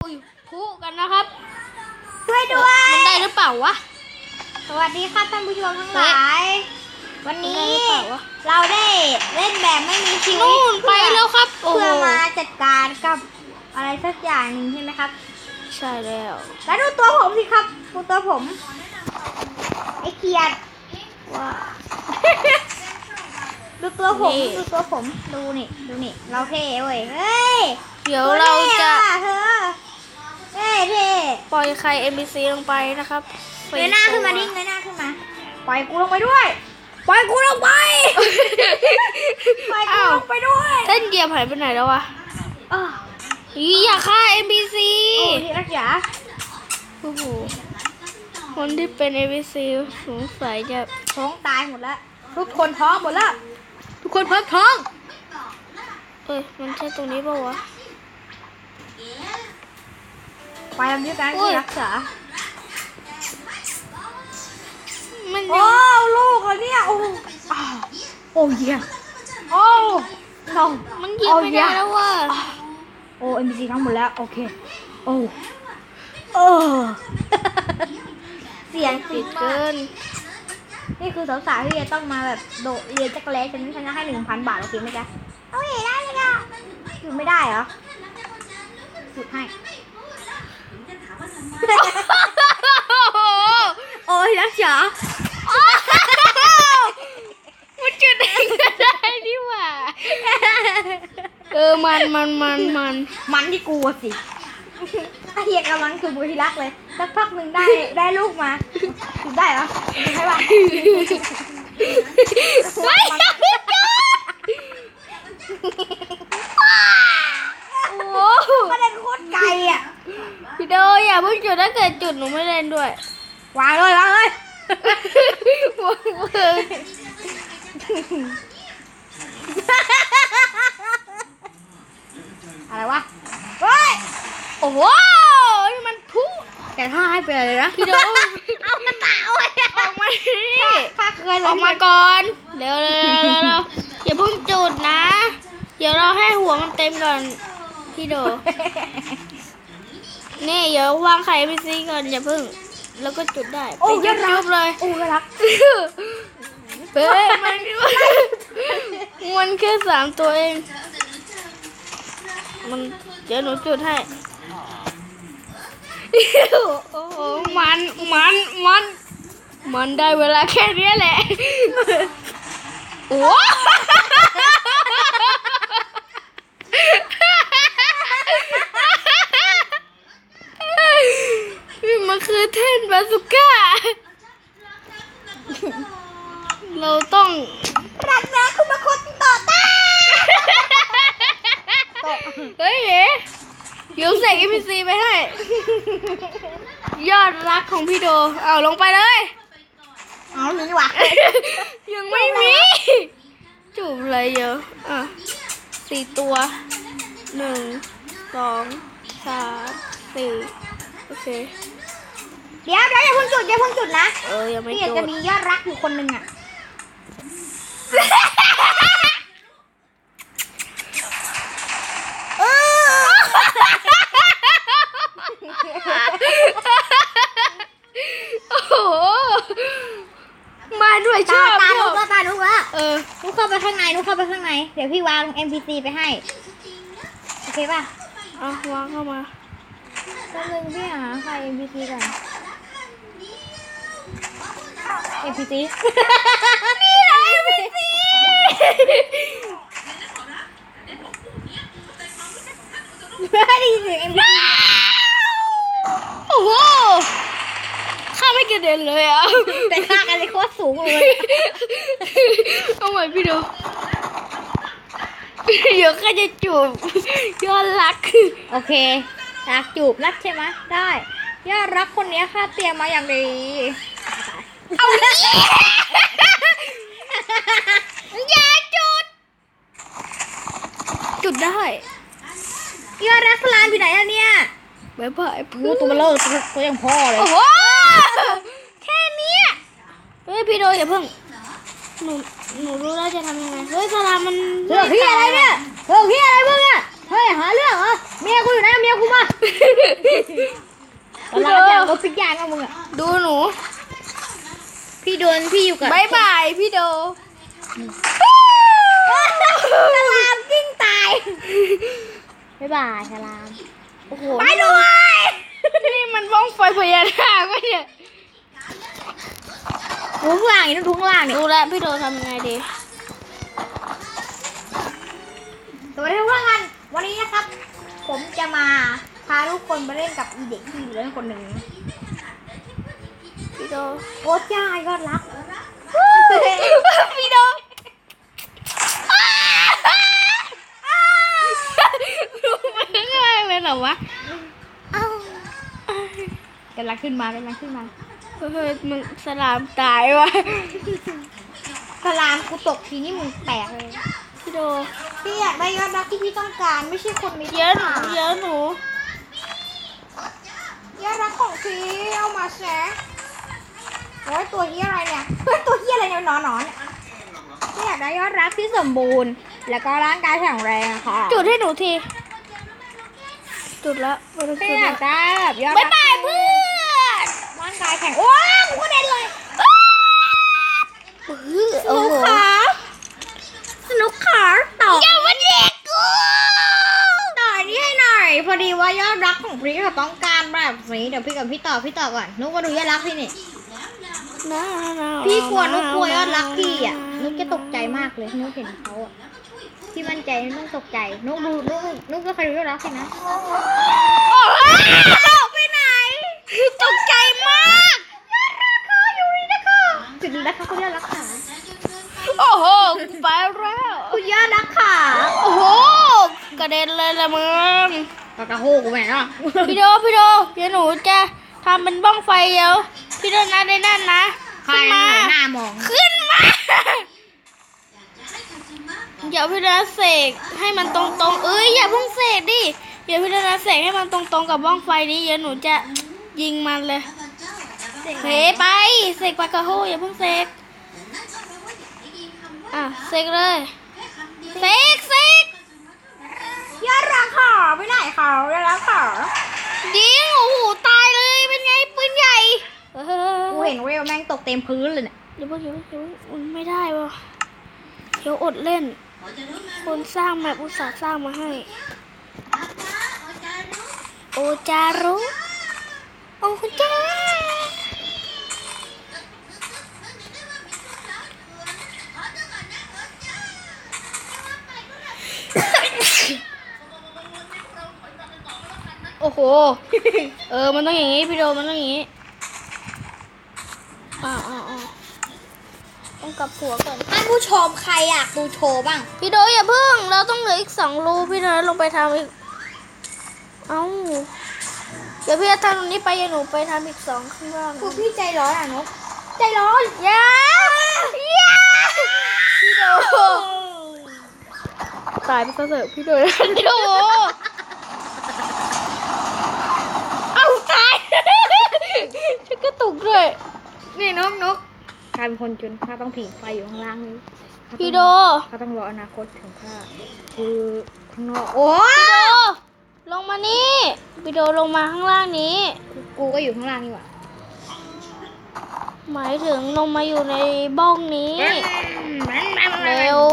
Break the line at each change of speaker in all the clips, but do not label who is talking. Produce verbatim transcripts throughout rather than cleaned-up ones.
คู่กันนะครับ
ช่วยด้วย
มันได้หรือเปล่าวะ
สวัสดีครับท่านผู้ชมทั้งหลายวันนี้เราได้เล่นแบบไม่มีชีวิต
นู่นไปแล้วครับ
เพื่อมาจัดการกับอะไรสักอย่างหนึ่งใช่ไหมครับ
ใช่แล้ว
แล้วดูตัวผมสิครับดูตัวผมไอ้เขียด
ว้า
ดูตัวผมดูตัวผมดูนี่ดูนี่เราเท่เว้ยเฮ้ย
เดี๋ยวเราจะ
เธอเท่เท่
ปล่อยใคร เอ็ม บี ซี ลงไปนะครับ
เงยหน้าขึ้นมาดิเงยหน้าขึ้นมาปล่อยกูลงไปด้วยปล่อยกูลงไปปล่อยกูลงไปด้วย
เต้นเกียร์หายไปไหนแล้ววะอย่าฆ่า เอ็ม บี ซี
โอ้ที่รักจ๋า
โอ้โหคนที่เป็น เอ็ม บี ซี สงสัยจะ
ท้องตายหมดแล้วทุกคนท้องหมดแล้วทุกคนพร้อมท้อง
เอ้ยมันใช่ตรงนี้ป่าวะ
ไปทำด้วยกันที่รักษา
มัน
โอ้ลูกเลยเนี่ยโอ้โอ้ยโอ้ทอง
มันยิงไม่ได้แล้วว่ะ
โอ้เอ็มบีซีทั้งหมดแล้วโอเคโอ้เออเสียง
ติดเกิน
นี่คือสาวๆที่จะต้องมาแบบโดดเรียนจักรเล่ฉันฉันจะให้หนึ่งพันบาทโอเคไหมจ๊ะโอเคได้เลยอ่ะหยุดไม่ได้เหรอหยุดให้โอ้ยรักจ๋า
มันจุดเองก็ได้ดิว่าเออมันมันมันมัน
มันที่กูสิไอเหี้ยกำลังคือบุรีรักเลยสักพักหนึ่งได้ได้ลูกมาถูกได้เหรอใช่ป่ะ
ไม่ไม่จุด
โอ้ประเด็นโคตรไกลอ่ะ
พี่โดอย่าเพิ่งจุดถ้าเกิดจุดหนูไม่เล่นด้วย
วางเลยวางเลยอะไรวะเฮ้ย
โอ้โหมันพุ่ง
แต่ถ้าให้ไปเลยนะ
พี่โด
เอากระต่ายอ
อกมาดิ
ข้าเคย
ออกมาก่อนเร็วเร็วเร็วอย่าเพิ่งจุดนะเดี๋ยวเราให้หัวมันเต็มก่อนพี่โดนี่เดี๋ยววางไข่ไปซีก่อนอย่าเพิ่งแล้วก็จุดได้
โอ้ย
รักเลย
โอ้ยรัก
เฮ้ยมันมันแค่สามตัวเองมันเดี๋ยวหนูจุดให้โอ้โหมันมันมันมันได้เวลาแค่นี้แหละโอ้มันคือเทนบาสุก้าเราต้อง
รักนะคุณมาคนต่อต้า
เฮ้ยเดี๋ยวใส่ เอ็ม พี ซี ไปให้ยอดรักของพี่โดเอาลงไปเลย
เอาหนึ่งดีกว่า
ยังไม่มีจูบอะไรเยอะอ่ะสี่ตัวหนึ่งสองสามสี่โอเค
เดี๋ยวเดี๋ยวอย่าเพิ่งจุดอย่าเพิ่งจุดนะ
เออยังไม่จุด
พี่จะมียอดรักอยู่คนหนึ่งอ่ะ
โอ้โหมาด้วยชอบ
ตาลุกแล้วตาลุกแล้ว
เออ
ลุกเข้าไปข้างในลุกเข้าไปข้างในเดี๋ยวพี่วาง เอ็ม พี ซี ไปให้โอเคป่ะ
อ่ะวางเข้ามา
แป๊บนึงพี่หาใคร เอ็ม พี ซี ก่อน เอ็ม พี ซี
นี่แหละ เอ็ม พี ซี
ไม่ได้ยินเสียง เอ็ม พี ซี
โอ้โหข้าไม่กระเด็นเลยอ่ะ
แต่ข้ากันเลยโคตรสูงเลย
เอาใหม่พี่ดูเดี๋ยวข้าจะจูบยอดรัก
โอเครักจูบรักใช่ไหมได้ยอดรักคนนี้ข้าเตรียมมาอย่างดี
เอาอย่าจุดจุดได้
ยอดรักสลานอยู่ไหนอะเนี่ย
บ๊ายบาย
พูดตัวมาเลิกตัวยังพ่อเลย
โอ้โหแค่นี้เฮ้ยพี่โดอย่าเพิ่งหนูหนูรู้แล้วจะทำยังไงเฮ้ยสลามมัน
เรื่องพี่อะไรเนี่ยเรื่องพี่อะไรมึงอะเฮ้ยหาเรื่องเหรอเมียกูอยู่ไหนเมียกูมาตอนเราจะเอาพิกยานเอามึงอะ
ดูหนู
พี่โดนพี่อยู่กับบ
ายบายพี่โด
ฉลามกิ้งตายบ๊ายบายฉลาม
โอ้โห
ไปด้วย
นี่มันบ้องไฟพญานาควะเนี่ย
ทุงล่างนี่ต้องทุงล่างนี่
ดูแลวพี่โดทำยังไงดี
สวัสดีทุกท่านวันนี้นะครับ ผมจะมาพาทุกคนไปเล่นกับอีเด็กที่เหลือคนหนึ่ง
พี่โด
โอ้จ้ายอดรัก
พี่โดดูมันง่ายเลยเหรอวะ
กำลังขึ้นมากำลังขึ้นมา
เฮ้ยมึงสลามตายวะ
สลามกูตกทีนี่มึงแตกเลย
พี่โด
พี่อยากได้ยอดรักที่พี่ต้องการไม่ใช่คนมี
เยอะหนูเยอะหนู
ยอดรักของพี่เอามาแชร์โอ้ยตัวเฮียอะไรเนี่ยเฮ้ยตัวเฮียอะไรเนี่ยหนอนหนอนเนี่ยพี่อยากได้ยอดรักที่สมบูรณ์ แล้วก็ร่างกายแข็งแรงอะค่ะ
จุดให้หนูที จุดละไม่ต้อง
พี่
จุด
อยา
ละ
กได้แบบยอด
บาย
รัก
บายเพื่อน
ร่างกายแข็งโอ้ยกูกระเด็นเลย
โอ้โห
สนุกขาต่อ
อย่ามาเด็กกู
ต่อนี่ให้หน่อยพอดีว่ายอดรักของพี่เขาต้องการแบบนี้เดี๋ยวพี่กับพี่ต่อพี่ต่อก่อนนุกมาดูยอดรักพี่นี่พี่กลัวนุกกลัวยอดรักพี่อ่ะนุกจะตกใจมากเลยนุกเห็นเขาอ่ะพี่มั่นใจนุกตกใจนุกดูนุกนุกก็เคยดูยอดรักพี่นะ
โอ้ยไปไหน ตกใจมาก
เขาอยู่นี่นะคะจุดนี้นะคะคุณยอดรักขา
โอ้โหกูไปแล้ว
คุณยอดรักขา
โอ้โห กระเด็นเลยละมึง
กระโหกแม่เนาะ
พี่โด พี่โด เดี๋ยวหนูจะทำเป็นบ้องไฟเดี๋ยว พี่โดนะได้นั่นนะ
ใคร
ขึ้นมา
หน้ามอง
ขึ้นมา เดี๋ยวพี่โดนะเสกให้มันตรงๆ เอ้ยอย่าเพิ่งเสกดิ เดี๋ยวพี่โดนะเสกให้มันตรงๆกับบ้องไฟนี้เดี๋ยวหนูจะยิงมันเลยเฮ้ไป เสกปากกาโฮอย่าเพิ่งเสก อ่ะเสกเลย เสกเสก
ยอดรักขาไปไหนเขายอดรักขา
ยิงโอ้โหตายเลยเป็นไงปืนใหญ่เออ
กูเห็นเวลแม่งตกเต็มพื้นเลยเนี่ย
เดี๋ยวเพิ่งเดี๋ยวเพิ่งเดี๋ยวเพิ่งมันไม่ได้วะเดี๋ยวอดเล่น คนสร้างแมปอุตส่าห์สร้างมาให้ โอจารุโอจาโอ้โห เออ มันต้องอย่างนี้พี่โดมันต้องอย่างนี้อ่าอ่าอ่าต้องกลับหัวก่อน
ท่านผู้ชมใครอยากดูโชว์บ้าง
พี่โดอย่าเพิ่ง เราต้องเหลืออีกสองรูพี่โดลงไปทำอีก เอ้า เดี๋ยวพี่จะทำตรงนี้ไปอย่าหนูไปทำอีกสองข้างล่าง
พวกพี่ใจร้อนอ่ะนกใจร้อน
อย่าอย่าพี่โดตายไปซะเถอะพี่โดพี่โดเอ้าตาย ฉันก็ตุกด้วย
นี่นกนกกลายเป็นคนจนข้าต้องผิงไฟอยู่ข้างล่างนี้
พี่โด
เขาต้องรออนาคตถึงข้าคือข้างนอกโอ้
พี่โด ลงมานี่พี่โดลงมาข้างล่างนี้
กูก็อยู่ข้างล่างนี่หว่า
หมายถึงลงมาอยู่ในบ้องนี้ เร็ว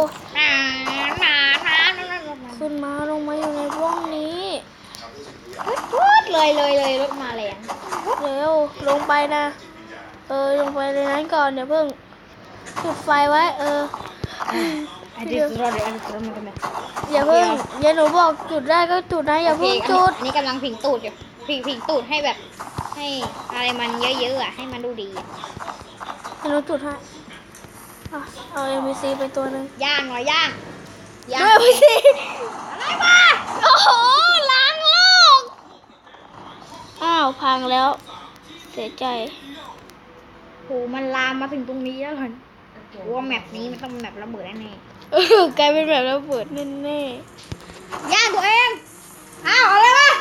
ขึ้นมาลงมาอยู่ในบ้องนี้
พูดเลยเลยเลยรถมาแรง
เร็ว ลงไปนะ เออ ลงไปในนั้นก่อนเดี๋ยวเพิ่งจุดไฟไว้ เออ
อันนี้รถเดี๋ยวอันนี้รถมันทำไม
อย่าเพิ่งอย่าหนูบอกจุดได้ก็จุดนะ อย่าเพิ่งจุด
อันนี้กำลังผิงตูดอยู่ผิงผิงตูดให้แบบ ให้อะไรมันเยอะๆอ่ะให้มันดูดี
อย่าหนูจุดให้อ่ะเอาเอ็มบีซีไปตัวหนึ่ง
ย่างหน่อยย่างย่าง
ด้วย เอ็มบีซี
อะไรวะ
โอ้โห ล้างโลก อ้าว พังแล้ว เสียใจ
โหมันลามมาถึงตรงนี้แล้วเหรอว่าแมปนี้มันต้องเป็นแมประเบิดแน่
เออกลายเป็นแบบระเบิดแน่
ๆย่างตัวเองอ้าวอะไรวะ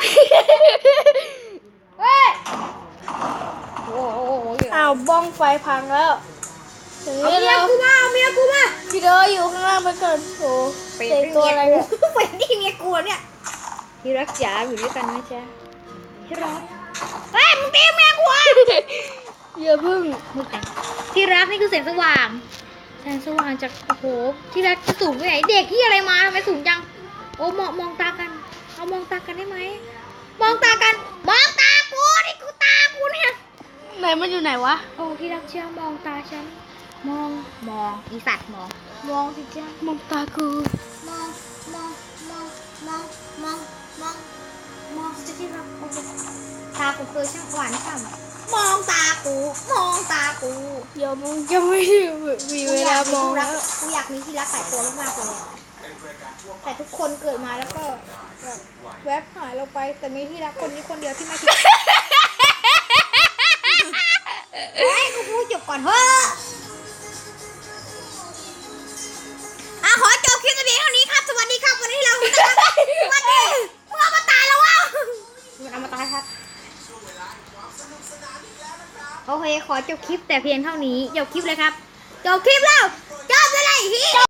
เฮ้ยโอ้โห
ๆอ้าวบ้องไฟพังแล้วถึง
เอา
นี้
เมีย
แล้ว
กูมาเอาเมียกูมา
พี่เดออยู่ข้างล่างไปก่อนโอ้เตะตัวอะไรเนี่ย
เป็นที่เมียกูเนี่ยที่รักจ๋าอยู่ด้วยกันนะจ๊ะที่รักเฮ้ยมึงตีแม่กูอ่ะ
อย่าเพิ่ง
มึงแต่งที่รักนี่คือแสงสว่างแสงสว่างจากโอ้โหที่รักจะสูงไปไหนเด็กที่อะไรมาทำไมสูงจังโอ้มองมองตากันเอามองตากันได้ไหมมองตากันมองตากูนี่กูตากูเนี่ย
ไหนมันอยู่ไหนวะ
โอ้ที่รักเชื่อมองตาฉันมองมองอีสัตว์มองมองสิจ้าม
องตากู
มองมองมองมองมองมองมองสิที่รักโอ้โหตากูเคยช่างหวานฉ่ำมองตากูมองตากู
เดี๋ยวมึงจะไม่มีเวลามอง
กู
แล้
รั
ว
กกูอยากมีที่รักหลายตัวมากๆเลยอะแต่ทุกคนเกิดมาแล้วก็แบบแวบหายเราไปแต่มีที่รักคนนี้คนเดียวที่ไม่คิดเฮ้ยกูพูดจบก่อนเฮ้ยอ่ะขอจบคลิปตัวนี้เท่านี้ครับสวัสดีครับวันนี้เราสวัสดีมึงเอามาตายแล้ววะมึงเอามาตายครับโอเคขอจบคลิปแต่เพียงเท่านี้จบคลิปเลยครับจบคลิปแล้วจบเลยพี่